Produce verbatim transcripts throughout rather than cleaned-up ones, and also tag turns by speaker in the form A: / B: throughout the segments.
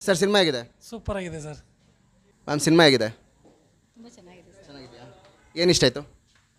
A: Sir cinema ಆಗಿದೆ.
B: Super ಆಗಿದೆ sir.
A: Ma'am cinema ಆಗಿದೆ.
C: ತುಂಬ ಚೆನ್ನಾಗಿದೆ ಸರ್.
A: ಚೆನ್ನಾಗಿದೆಯಾ? ಏನು ಇಷ್ಟ ಆಯಿತು?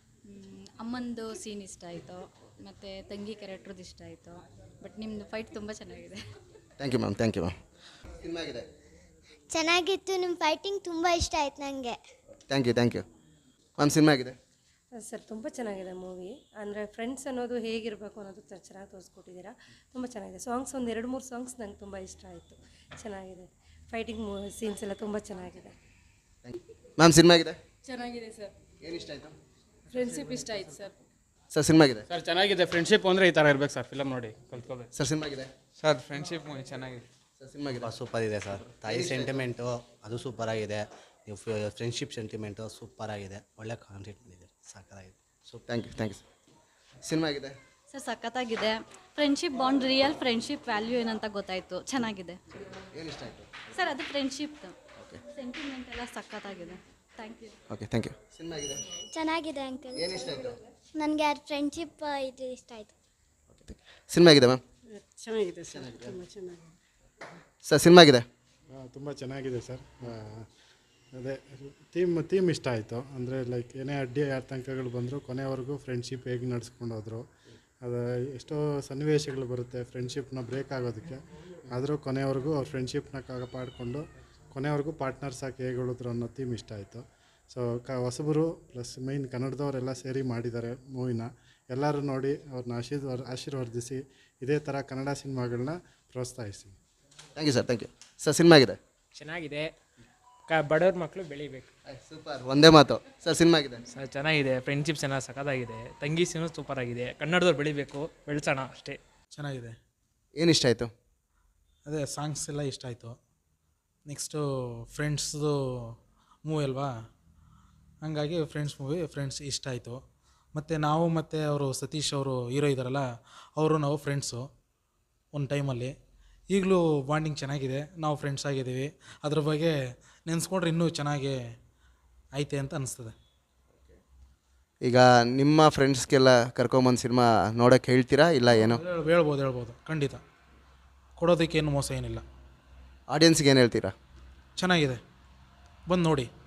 C: ಅಮ್ಮಂದು ಸೀನ್ ಇಷ್ಟ ಆಯಿತು, ಮತ್ತು ತಂಗಿ ಕ್ಯಾರೆಕ್ಟ್ರದ್ದು ಇಷ್ಟ ಆಯಿತು. ಬಟ್ ನಿಮ್ಮದು ಫೈಟ್ ತುಂಬ ಚೆನ್ನಾಗಿದೆ.
A: Thank you ma'am, thank you ma'am. Cinema ಆಗಿದೆ.
D: ಚೆನ್ನಾಗಿತ್ತು. ನಿಮ್ಮ ಫೈಟಿಂಗ್ ತುಂಬ ಇಷ್ಟ ಆಯ್ತು ನನಗೆ.
A: Thank you thank you ma'am. Cinema ಆಗಿದೆ.
E: ಸರ್ ತುಂಬ ಚೆನ್ನಾಗಿದೆ ಮೂವಿ. ಅಂದರೆ ಫ್ರೆಂಡ್ಸ್ ಅನ್ನೋದು ಹೇಗಿರಬೇಕು ಅನ್ನೋದು ತ- ಚೆನ್ನಾಗಿ ತೋರಿಸ್ಕೊಟ್ಟಿದ್ದೀರಾ. ತುಂಬ ಚೆನ್ನಾಗಿದೆ. ಸಾಂಗ್ಸ್ ಒಂದು ಎರಡು ಮೂರು ಸಾಂಗ್ಸ್ ನಂಗೆ ತುಂಬ ಇಷ್ಟ ಆಯಿತು. ಚೆನ್ನಾಗಿದೆ. ಫೈಟಿಂಗ್ ಮೂ ಸೀನ್ಸ್ ಎಲ್ಲ ತುಂಬ ಚೆನ್ನಾಗಿದೆ.
A: ಮ್ಯಾಮ್ ಸಿನಿಮಾ ಆಗಿದೆ.
C: ಚೆನ್ನಾಗಿದೆ ಸರ್.
A: ಏನು ಇಷ್ಟ ಆಯಿತು?
C: ಫ್ರೆಂಡ್ಶಿಪ್ ಇಷ್ಟ ಆಯಿತು ಸರ್.
A: ಸರ್ ಸಿನಿಮಾ ಆಗಿದೆ.
B: ಸರ್ ಚೆನ್ನಾಗಿದೆ. ಫ್ರೆಂಡ್ಶಿಪ್ ಅಂದರೆ ಈ ಥರ ಇರ್ಬೇಕು ಸರ್. ಫಿಲಮ್ ನೋಡಿ ಕಲ್ತ್ಕೋಬೇಕು.
A: ಸರ್ ಸಿನಿಮಾ ಆಗಿದೆ.
F: ಸರ್ ಫ್ರೆಂಡ್ಶಿಪ್ ಮೂವಿ ಚೆನ್ನಾಗಿದೆ.
A: ಸರ್ ಸಿನಿಮಾ ಆಗಿದೆ.
G: ಸೂಪರ್ ಇದೆ ಸರ್. ತಾಯಿ ಸೆಂಟಿಮೆಂಟು ಅದು ಸೂಪರ್ ಆಗಿದೆ. ನೀವು ಫ್ರೆಂಡ್ಶಿಪ್ ಸೆಂಟಿಮೆಂಟು ಸೂಪರ್ ಆಗಿದೆ. ಒಳ್ಳೆ ಕಾನ್ಸೆಪ್ಟ್ ಮಾಡಿದೆ, ಸಾಕಾಗಿದೆ.
A: ಸೂಪ್ thank you thank you sir. Cinema ಆಗಿದೆ.
C: ಸರ್ ಸಖತ್ತಾಗಿದೆ. Friendship bond, real friendship value ಏನಂತ ಗೊತ್ತಾಯಿತು. ಚೆನ್ನಾಗಿದೆ
A: ಏನು ಇಷ್ಟ ಆಯಿತು?
C: ಸರ್. ಅದು ಫ್ರೆಂಡ್ಶಿಪ್ ಸೆಂಟಿಮೆಂಟ್ ಎಲ್ಲ ಸಖತ್ತಾಗಿದೆ. Thank you.
A: Okay thank you. Cinema ಆಗಿದೆ.
D: ಚೆನ್ನಾಗಿದೆ ಅಂಕಲ್.
A: ಏನು ಇಷ್ಟ ಆಯಿತು?
D: ನನಗೆ ಫ್ರೆಂಡ್ಶಿಪ್ ಇದು ಇಷ್ಟ ಆಯಿತು.
A: ಓಕೆ ಸಿನಿಮಾ ಆಗಿದೆ ಮ್ಯಾಮ್.
E: ಚೆನ್ನಾಗಿದೆ ಸರ್. ತುಂಬ ಚೆನ್ನಾಗಿದೆ.
A: ಸರ್ ಸಿನಿಮಾ ಆಗಿದೆ.
H: ತುಂಬ ಚೆನ್ನಾಗಿದೆ ಸರ್. ಅದೇ ಥೀಮ್ ಥೀಮ್ ಇಷ್ಟ ಆಯಿತು. ಅಂದರೆ ಲೈಕ್ ಏನೇ ಅಡ್ಡಿ ಆತಂಕಗಳು ಬಂದರೂ ಕೊನೆವರೆಗೂ ಫ್ರೆಂಡ್ಶಿಪ್ ಹೇಗೆ ನಡ್ಸ್ಕೊಂಡು ಹೋದರು. ಅದು ಎಷ್ಟೋ ಸನ್ನಿವೇಶಗಳು ಬರುತ್ತೆ ಫ್ರೆಂಡ್ಶಿಪ್ನ ಬ್ರೇಕ್ ಆಗೋದಕ್ಕೆ. ಆದರೂ ಕೊನೆವರೆಗೂ ಅವ್ರ ಫ್ರೆಂಡ್ಶಿಪ್ನ ಕಾಪಾಡಿಕೊಂಡು ಕೊನೆವರೆಗೂ ಪಾರ್ಟ್ನರ್ಸ್ ಆಗಿ ಹೇಗೆ ಉಳಿದ್ರು ಅನ್ನೋ ಥೀಮ್ ಇಷ್ಟ ಆಯಿತು. ಸೊ ಕ ಹೊಸಬರು ಪ್ಲಸ್ ಮೈನ್ ಕನ್ನಡದವರೆಲ್ಲ ಸೇರಿ ಮಾಡಿದ್ದಾರೆ ಮೂವಿನ. ಎಲ್ಲರೂ ನೋಡಿ ಅವ್ರನ್ನ ಆಶೀರ್ವಾದ ಆಶೀರ್ವದಿಸಿ ಇದೇ ಥರ ಕನ್ನಡ ಸಿನಿಮಾಗಳನ್ನ ಪ್ರೋತ್ಸಾಹಿಸಿ.
A: Thank you sir. Thank you sir. Cinema ಆಗಿದೆ.
I: ಚೆನ್ನಾಗಿದೆ. ಕ ಬಡವ್ರ ಮಕ್ಕಳು ಬೆಳಿಬೇಕು.
A: ಸೂಪರ್, ಒಂದೇ ಮಾತು. ಸರ್ ಸಿನಿಮಾ ಆಗಿದೆ.
I: ಸರ್ ಚೆನ್ನಾಗಿದೆ. ಫ್ರೆಂಡ್ಶಿಪ್ ಚೆನ್ನಾಗಿ ಸಖತ್ತಾಗಿದೆ. ತಂಗಿ ಸೀನು ಸೂಪರ್ ಆಗಿದೆ. ಕನ್ನಡದವ್ರು ಬೆಳಿಬೇಕು, ಬೆಳೆಸೋಣ ಅಷ್ಟೇ.
F: ಚೆನ್ನಾಗಿದೆ.
A: ಏನು ಇಷ್ಟ ಆಯಿತು?
F: ಅದೇ ಸಾಂಗ್ಸ್ ಎಲ್ಲ ಇಷ್ಟ ಆಯಿತು. ನೆಕ್ಸ್ಟು ಫ್ರೆಂಡ್ಸ್ದು ಮೂವಿ ಅಲ್ವಾ, ಹಂಗಾಗಿ ಫ್ರೆಂಡ್ಸ್ ಮೂವಿ ಫ್ರೆಂಡ್ಸ್ ಇಷ್ಟ ಆಯಿತು. ಮತ್ತು ನಾವು ಮತ್ತು ಅವರು ಸತೀಶ್ ಅವರು ಹೀರೋ ಇದ್ದಾರಲ್ಲ, ಅವರು ನಾವು ಫ್ರೆಂಡ್ಸು ಒಂದು ಟೈಮಲ್ಲಿ. ಈಗಲೂ ಬಾಂಡಿಂಗ್ ಚೆನ್ನಾಗಿದೆ. ನಾವು ಫ್ರೆಂಡ್ಸ್ ಆಗಿದ್ದೀವಿ. ಅದ್ರ ಬಗ್ಗೆ ನೆನೆಸ್ಕೊಂಡ್ರೆ ಇನ್ನೂ ಚೆನ್ನಾಗಿ ಐತೆ ಅಂತ ಅನಿಸ್ತದೆ.
A: ಈಗ ನಿಮ್ಮ ಫ್ರೆಂಡ್ಸ್ಗೆಲ್ಲ ಕರ್ಕೊಂಬಂದು ಸಿನಿಮಾ ನೋಡೋಕ್ಕೆ ಹೇಳ್ತೀರಾ ಇಲ್ಲ ಏನೋ?
F: ಹೇಳ್- ಹೇಳ್ಬೋದು ಹೇಳ್ಬೋದು ಖಂಡಿತ. ಕೊಡೋದಕ್ಕೇನು ಮೋಸ ಏನಿಲ್ಲ.
A: ಆಡಿಯನ್ಸ್ಗೆ ಏನು ಹೇಳ್ತೀರಾ?
F: ಚೆನ್ನಾಗಿದೆ, ಬಂದು ನೋಡಿ.